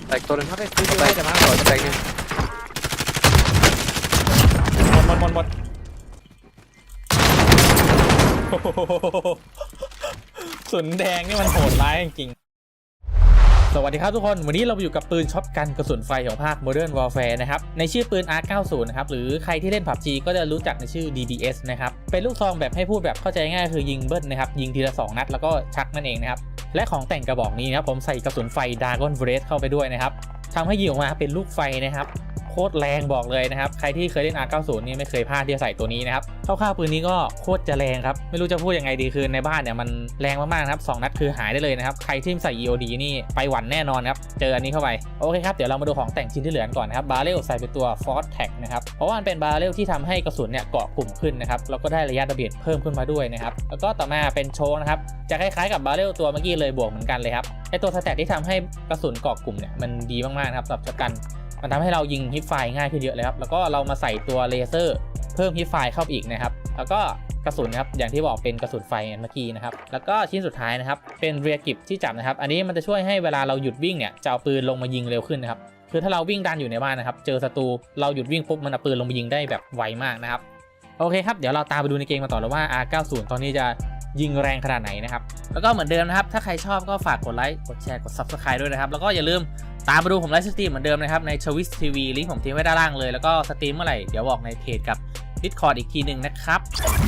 แตกตัวนึงมาไปซื้อไปแต่มาต่อจะแตกนึงหมดสุนแดงนี่มันโหดร้ายจริงๆสวัสดีครับทุกคนวันนี้เราอยู่กับปืนช็อตกันกระสุนไฟของภาค Modern Warfare นะครับในชื่อปืน R90 นะครับหรือใครที่เล่น PUBG ก็จะรู้จักในชื่อ DBS นะครับเป็นลูกซองแบบให้พูดแบบเข้าใจง่ายคือยิงเบิ้ลนะครับยิงทีละ2 นัดแล้วก็ชักนั่นเองนะครับและของแต่งกระบอกนี้นะครับผมใส่กระสุนไฟ Dragon Breath เข้าไปด้วยนะครับทำให้ยิงออกมาเป็นลูกไฟนะครับโคตรแรงบอกเลยนะครับใครที่เคยเล่น R90 นี่ไม่เคยพลาดที่จะใส่ตัวนี้นะครับคร่าวๆปืนนี้ก็โคตรจะแรงครับไม่รู้จะพูดยังไงดีคือในบ้านเนี่ยมันแรงมากๆครับ2 นัดคือหายได้เลยนะครับใครที่ใส่ EOD นี่ไปหวันแน่นอนครับเจออันนี้เข้าไปโอเคครับเดี๋ยวเรามาดูของแต่งชิ้นที่เหลือก่อนนะครับบาร์เรลใส่เป็นตัว Force Tag นะครับเพราะว่ามันเป็นบาร์เรลที่ทำให้กระสุนเนี่ยเกาะกลุ่มขึ้นนะครับแล้วก็ได้ระยะระเบิดเพิ่มขึ้นมาด้วยนะครับแล้วก็ต่อมาเป็นโชว์นะครับจะคล้ายๆกับบาร์เรลตัวเมื่อกี้เลยบวกเหมือนกันเลยครับไอตัวสแตทที่ทำให้กระสุนเกาะกลุ่มเนี่ยมันดีมากๆครับสำหรับช็อตกันมันทำให้เรายิงฮิปไฟง่ายขึ้นเยอะเลยครับแล้วก็เรามาใส่ตัวเลเซอร์เพิ่มฮิปไฟเข้าไปอีกนะครับแล้วก็กระสุนครับอย่างที่บอกเป็นกระสุนไฟเมื่อกี้นะครับแล้วก็ชิ้นสุดท้ายนะครับเป็นเรียกิบที่จับนะครับอันนี้มันจะช่วยให้เวลาเราหยุดวิ่งเนี่ยจะเอาปืนลงมายิงเร็วขึ้นนะครับคือถ้าเราวิ่งดันอยู่ในบ้านนะครับเจอศัตรูเราหยุดวิ่งปุ๊บมันเอาปืนลงมายิงได้แบบไวมากนะครับโอเคครับเดี๋ยวเราตามไปดูในเกมมาต่อเลยว่า R90 ตอนนี้จะยิงแรงขนาดไหนนะครับแล้วก็เหมือนเดิมนะครับถ้าใครชอบก็ฝากกดไลค์กดแชร์กด Subscribe ด้วยนะครับแล้วก็อย่าลืมตามมาดูผมไลฟ์สตรีมเหมือนเดิมนะครับใน Twitch TV ลิงก์ผมทิ้งไว้ด้านล่างเลยแล้วก็สตรีมเมื่อไหร่เดี๋ยวบอกในเพจกับ Discord อีกทีหนึ่งนะครับ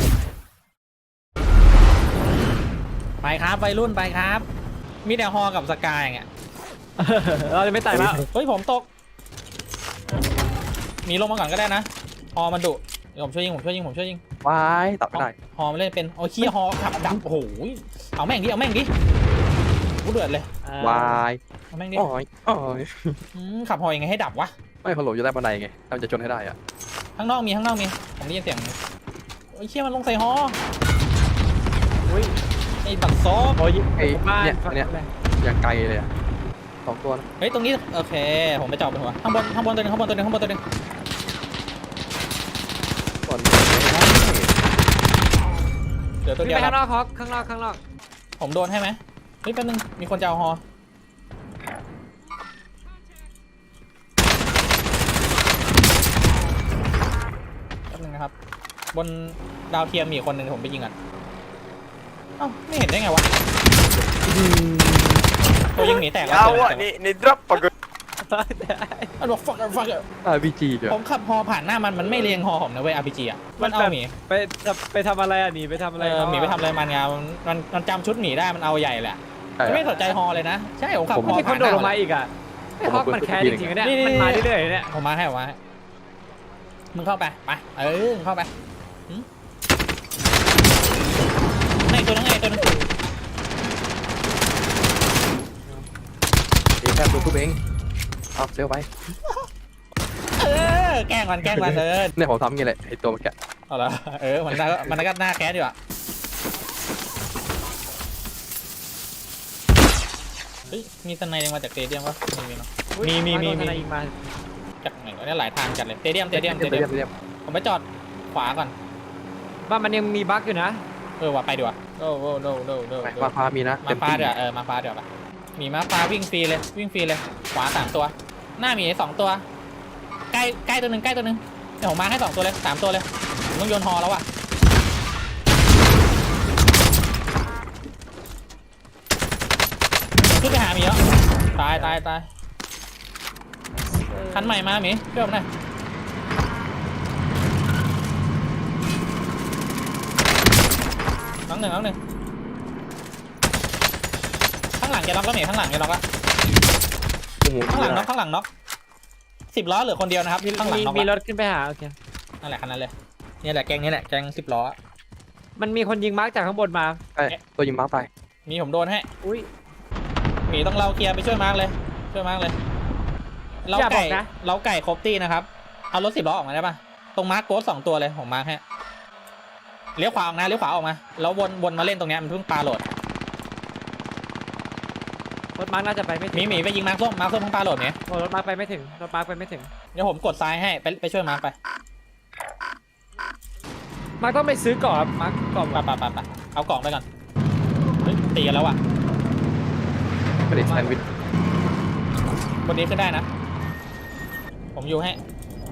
ไปครับวัยรุ่นไปครับมีแต่ฮอกับสกายอย่างเงี้ยเราจะไม่ไต่แล้วเฮ้ยผมตกหนีลงมาก่อนก็ได้นะฮอมันดุเดี๋ยวผมช่วยยิงวายตัดไม่ได้ฮอมันเล่นเป็นโอ้ยขี้ฮอขับดับโอ้โหเอาแม่งดิกูเดือดเลยวายเอาแม่งดิอ๋อยขับฮอยังไงให้ดับวะไม่พอหลบอยู่ใต้บันไดไงมันจะชนให้ได้อะข้างนอกมีผมได้ยินเสียงโอ้ยเชี่ยมันลงใส่ฮออุ้ยไอ้บัตรซอฟโอ้ยไอ้บ้านเนี่ยอย่างไกลเลยอะ2 ตัวนะเฮ้ยตรงนี้โอเคผมไปจอดบนหัวข้างบนตัวหนึงส่วนเดี๋ยวตัววิ่เดีงยวไปข้างนอกฮอกข้างนอกผมโดนให้ไหมเฮ้ยแป๊บนึงมีคนจะเอาฮอแป๊บนึงนะครับบนดาวเทียมมีคนหนึ่งผมไปยิงอ่ะเอ้าไม่เห็นได้ไงวะตัวยิงหนีแตกแล้วนี่ drop ปะกูมันบอก fuck RPG เดี๋ยวผมขับฮอผ่านหน้ามันไม่เรียงฮอผมนะเว้ย RPG อ่ะมันเอาหมีไปทำอะไรอ่ะหนีไปทำอะไรหมีไปทำอะไรมันไงมันจำชุดหมีได้มันเอาใหญ่แหละไม่สนใจฮอเลยนะใช่ผมขับฮอมีคนผ่านหโดดน้าลงมาอีกอ่ะไอ้ฮอกมันแคร์จริงๆเนี่ยมันมาเรื่อยๆเนี่ยผมมาให้มึงเข้าไปมึงเข้าไปไอ้ตัวนึงแค่ตัวกูเองเอาเซลไปแกล้งมันเนี่ยผมทำงี้แหละไอ้ตัวเมื่อกี้เอาละมันก็หน้าแคสอยู่อ่ะเฮ้ยมีสไนด์มาจากเตเดียมปะมีเนาะมียิงมาจากไหนวะเนี่ยหลายทางจัดเลยเตเดียมผมไปจอดขวาก่อนบ้านมันยังมีบั๊กอยู่นะว่าไปดีกว่าโอ้มาพามีนะมาฟ้าเดี๋ยวมาฟ้าเดี๋ยวไปมีมาฟ้าวิ่งฟรีเลยขวา3 ตัวหน้ามี2 ตัวใกล้ตัวหนึ่งเดี๋ยวผมมาให้2 ตัวเลย3 ตัวเลยผมต้องโยนฮอแล้วอ่ะขึ้นไปหามีแล้วตายคันใหม่มาหมีช่วยผมหน่อยน้องหนึ่งข้างหลังแกน็อกแล้วหมีข้างหลังละข้างหลังน็อก10 ล้อเหลือคนเดียวนะครับข้างหลังน็อกมีรถขึ้นไปหาโอเคนั่นแหละคันนั้นเลยนี่แหละแกง10 ล้อมันมีคนยิงมาร์กจากข้างบนมาตัวยิงม้าไปมีผมโดนให้อุ้ยหมีต้องเราเคลียร์ไปช่วยมาร์กเลยเราไก่ครบตี้นะครับเอารถ10 ล้อออกมาได้ปะตรงมาร์กโกส2 ตัวเลยผมมาร์กให้เลี้ยวขวาออกมาแล้ววนมาเล่นตรงนี้มันเพิ่งปาโหลดรถมาร์กน่าจะไปไม่ถึงหมีไปยิงมาร์กส้มเพิ่งปาโหลดเนี่ยรถมาร์กไปไม่ถึงเดี๋ยวผมกดซ้ายให้ไปช่วยมาร์กไปมาร์กต้องไปซื้อก่อนมาร์กก่อนไปเอากล่องไปก่อนเฮ้ยตีกันแล้วอ่ะไม่ได้แซนด์วิชบนนี้ขึ้นได้นะผมอยู่ให้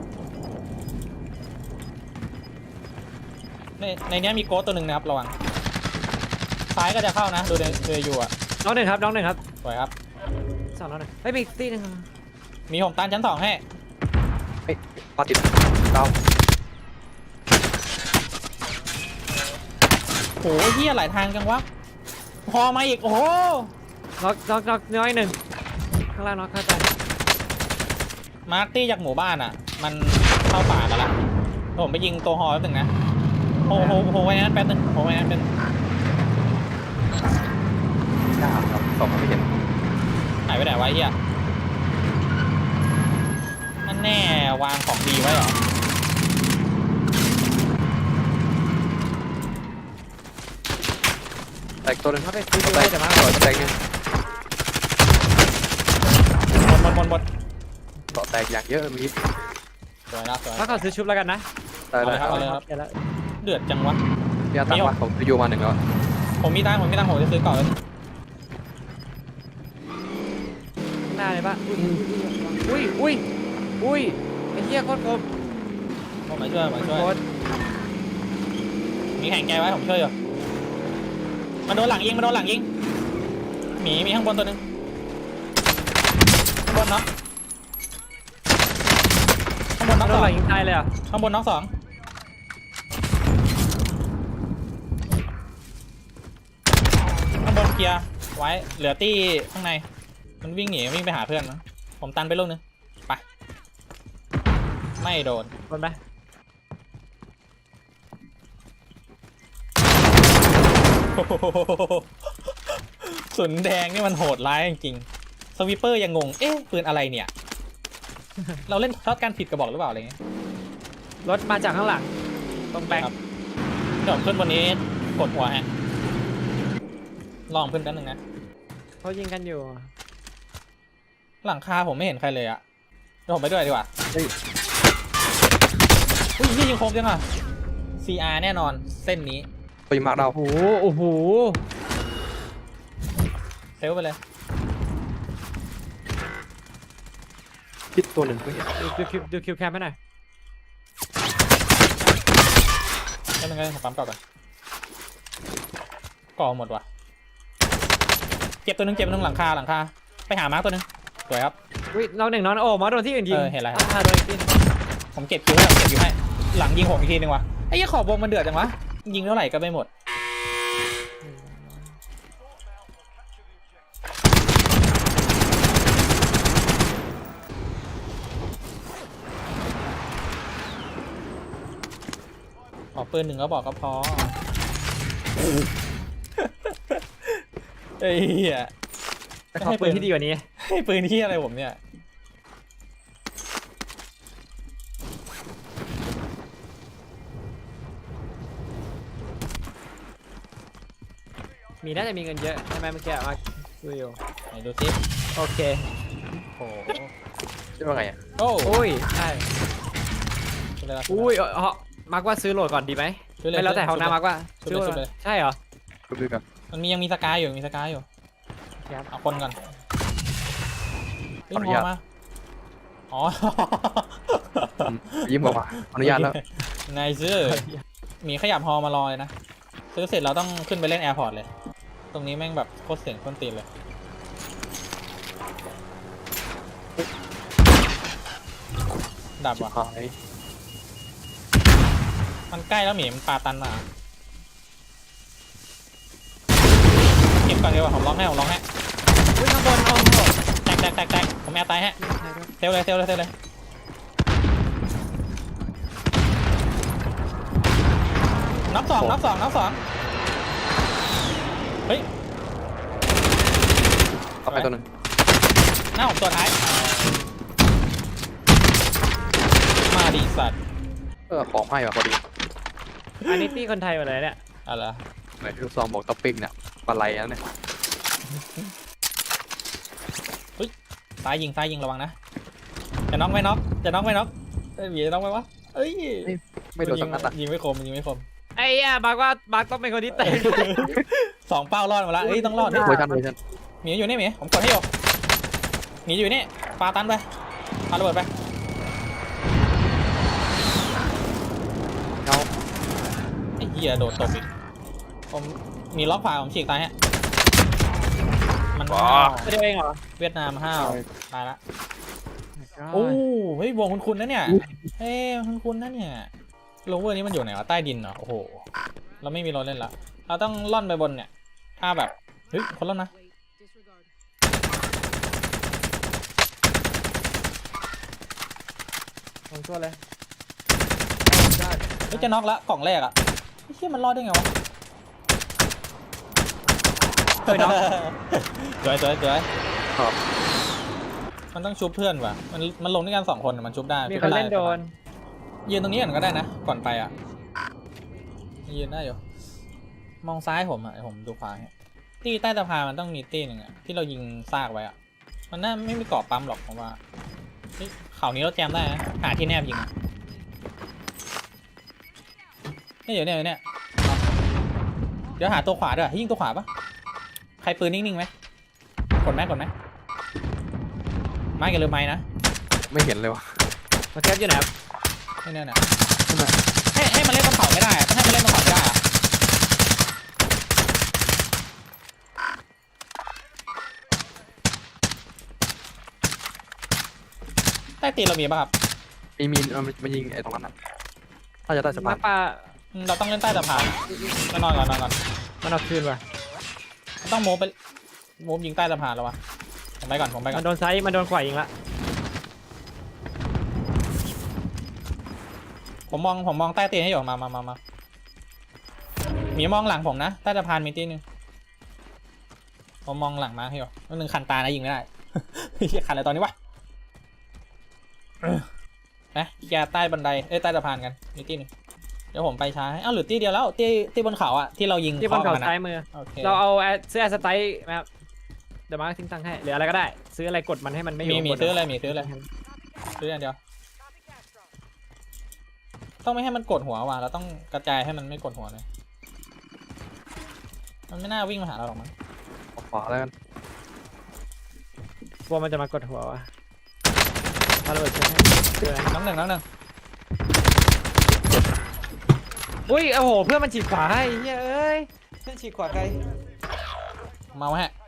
ในนี้มีโกสตัวหนึ่งนะครับระวังซ้ายก็จะเข้านะดูเลยอยู่อ่ะน้องหนึ่งครับน้องหนึ่งครับสวยครับสองน้องหนึ่งเฮ้ยมีอีกตีหนึ่งมีผมตันชั้น2ให้ปาติดดาวโอ้โหเฮียหลายทางจังวะพอมาอีกโอ้โหน็อกน้อยหนึ่งข้างล่างน็อกเข้าใจมาร์ตี้จากหมู่บ้านอ่ะมันเข้าป่ากันละผมไปยิงตัวฮอแป๊บนึงนะโหไว้นั้นแป๊บนึงโหไว้นั้นเป็นยากครับสองไม่เห็นหายไปไหนวะเฮียนั่นแน่วางของดีไว้เหรอแตกตัวหนึงเขาไปซื้อแตไว้กแต่มาก่อนแตกยังบนเกาะแตกอย่างเยอะมีสวยนะสวยถ้าเขาซื้อชุบแล้วกันนะตายแล้วเอาเลยครับเดี๋ยวแล้วเดือดจังวะพี่อาตั้งวัดผมจะโยมาหนึ่งแล้วผมมีตังค์ผมจะซื้อก่อนเลยหน้าเลยปะอุ้ยไอ้เหี้ยโคตรคมผมมาช่วยโคตรมีแข่งแกไว้ผมช่วยอยู่มันโดนหลังยิงหมีข้างบนตัวหนึงข้างบนน็อกโดนหลังยิงตายเลยอ่ะข้างบนน็อก2ข้างบนเคลียร์ไว้เหลือตี้ข้างในมันวิ่งไปหาเพื่อนนะผมตันไปลูกนึงไปไม่โดนโดนไหมสุนแดงนี่มันโหดร้ายจริงๆสวิปเปอร์ยังงงเอ๊ะปืนอะไรเนี่ย เราเล่นช็อตการผิดกระบอกหรือเปล่าอะไรเงี้ยรถมาจากข้างหลังตรงแบงค์ครับเดี๋ยวผมขึ้นบนนี้กดหัวฮะลองขึ้นกันหนึ่งนะเขายิงกันอยู่หลังคาผมไม่เห็นใครเลยอะเดี๋ยวผมไปด้วยดีกว่าเฮ้ยอุ้ยนี่ยิงคมจังอะ CR แน่นอนเส้นนี้ตัวยิงมาร์คเราโอ้โหเซลไปเลยคิดตัวหนึ่งไม่เห็นดูคิวแคมให้หน่อยก็นึงผมปั๊มก่อนก่อหมดว่ะเจ็บตัวหนึงหลังคาไปหามาร์กตัวหนึงสวยครับอุ้ยน้องหนึ่งน้องโอ้มาโดนที่อื่นยิงเห็นแล้วโดนอีกทีผมเก็บคิวให้หลังยิงผมอีกทีนึงว่ะไอ้ยี่ขอบวงมันเดือดจังวะยิงเท่าไหร่ก็ไม่หมดขอปืน1ก็บอกก็พอไอ้เหี้ยแต่ขอปืนที่ดีกว่านี้ให้ปืนที่อะไรผมเนี่ยมีน่าจะมีเงินเยอะใช่ไหมเมื่อกี้มาดูอยู่ไหนดูสิโอเคโอ้โหใช่ว่าไงอ่ะโอ้อุ้ยใช่เลยละอุ้ยมาร์กว่าซื้อโหลดก่อนดีไหมไม่แล้วแต่เขานะมาร์กว่าซื้อโหลดใช่เหรอดูดูกันมันยังมีสกายอยู่ครับเอาคนก่อนเฮ้ยพอมาอ๋อยิ้มออกมาอนุญาตแล้วนายซื้อหมีขยับฮอมารอเลยนะซื้อเสร็จเราต้องขึ้นไปเล่นแอร์พอร์ตเลย ตรงนี้แม่งแบบโคตรเสียงต้นตีนเลยดับว่ะหายมันใกล้แล้วหมีมันปาตันมาเก็บก่อนดีกว่าผมร้องให้อุ้ยข้างบนโอ้โหแตกผมแอร์ตายฮะเซลเลยนับสองเฮ้ยต่อไปตัวหนึ่งหน้าผมตัวท้ายมาดีสัตว์ของให้ว่ะพอดีอันนี้ตี้คนไทยหมดเลยเนี่ยอะไรเหมือนลูกซองบอกท็อปปิ้งเนี่ยปลาไหลแล้วเนี่ยซ้ายยิงระวังนะจะน็อกไม่น็อกเอ้ยหมีจะน็อกไหมวะเอ้ยไม่โดนสักนัดอ่ะยิงไม่คมไอ้มาร์กว่ามาร์กต้องเป็นคนที่เตะ 2 เป้ารอดมาละเอ้ยต้องรอดเวอร์ชันหมีอยู่นี่หมีผมกดให้อยู่หมีอยู่นี่ปาตันไปปาระเบิดไปเงาไอ้เหี้ยโดดตบอีกผมมีล็อกขวาผมฉีกตายฮะมันห้าวไม่ได้เองเหรอเวียดนามห้าวตายละโอ้เฮ้ยวงคุณนะเนี่ยเฮ้ยคุณนะเนี่ยโลเวอร์นี้มันอยู่ไหนวะใต้ดินเหรอโอ้โหเราไม่มีรถเล่นละเราต้องล่อนไปบนเนี่ยถ้าแบบเฮ้ยคนล่อนนะลงตัวเลยเฮ้ยจะน็อกละกล่องแรกอะไอ้เหี้ยมันรอดได้ไงวะเคยน็อกสวยครับมันต้องชุบเพื่อนว่ะมันลงด้วยกัน2 คนอะมันชุบได้มีคนเล่นโดนยืนตรงนี้ก่อนก็ได้นะก่อนไปอ่ะยืนได้อยู่มองซ้ายผมอ่ะผมดูขวาให้ตีใต้สะพานมันต้องมีตีหนึ่งอ่ะที่เรายิงซากไว้อ่ะมันน่าไม่มีเกาะปั๊มหรอกผมว่าเฮ้ยเขานี้เราแจมได้นะหาที่แนบยิงอะเนี่ยเดี๋ยวเนี่ยเดี๋ยวหาตัวขวาด้วยยิงตัวขวาปะใครปืนนิ่งๆไหมกดไหมไม้กันหรือไม้นะไม่เห็นเลยวะมาแคปอยู่ไหนครับเนี่ยให้มันเล่นบนเขาไม่ได้อะต้องให้มันเล่นบนเขาไม่ได้อะใต้ตีนเรามีป่ะครับมีมันยิงไอ้ตรงนั้นน่ะถ้าจะได้สะพามาน ปลาเราต้องเล่นใต้สะพานนอนก่อนมันเอาคืนว่ะต้องโมบยิงใต้สะพานแล้ววะผมไปก่อนมันโดนไซส์มันโดนขวายิงละผมมองใต้ตีนให้อยู่มามีมองหลังผมนะใต้สะพานมีตีนึงผมมองหลังมาให้อยู่นึงคันตานะยิงไม่ได้ เฮียคันอะไรตอนนี้วะนะแกใต้บันไดใต้สะพานกันมีตีนึงเดี๋ยวผมไปช้าให้หรือตีเดียวแล้วตีบนเขาอะที่เรายิงที่บนเขาคอกัะซ้ายมือโอเคเราเอาเสื้อสไตล์ไหมครับเดี๋ยวมาทิ้งตังค์ให้หรืออะไรก็ได้ ซื้ออะไรกดมันให้มันไม่อยู่มีบนซื้ออะไรซื้ออย่างเดียวต้องไม่ให้มันกดหัวว่ะเราต้องกระจายให้มันไม่กดหัวเลยมันไม่น่าวิ่งมาหาเราหรอกมั้งออกขวาแล้วกันกลัวมันจะมากดหัววะมาระเบิดเชือกให้เจออะไรน้องหนึ่งอุ้ยโอ้โหเพื่อนมันฉีกขวาให้เฮ้ยเพื่อนฉีกขวาใครเมาฮะ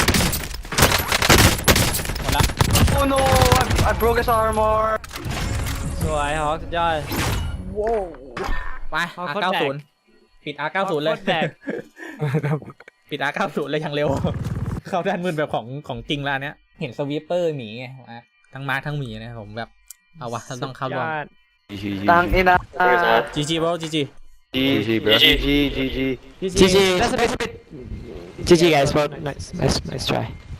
หมดละ Oh no I broke his armor สวยฮอกสุดยอดไปเอาโคตรแบก R90 ปิด R90 เลยโคตรแบกปิด R90 เลยอย่างเร็ว เข้าด้านมืดแบบของจริงแล้วเนี้ยเห็นสวีปเปอร์หมีไงทั้งมาร์คทั้งหมีนะผมแบบเอาวะต้องเข้าร่วมตังนี่นะ GG bro GG GG, bro. GG, GG. GG that's a bit GG guys but nice try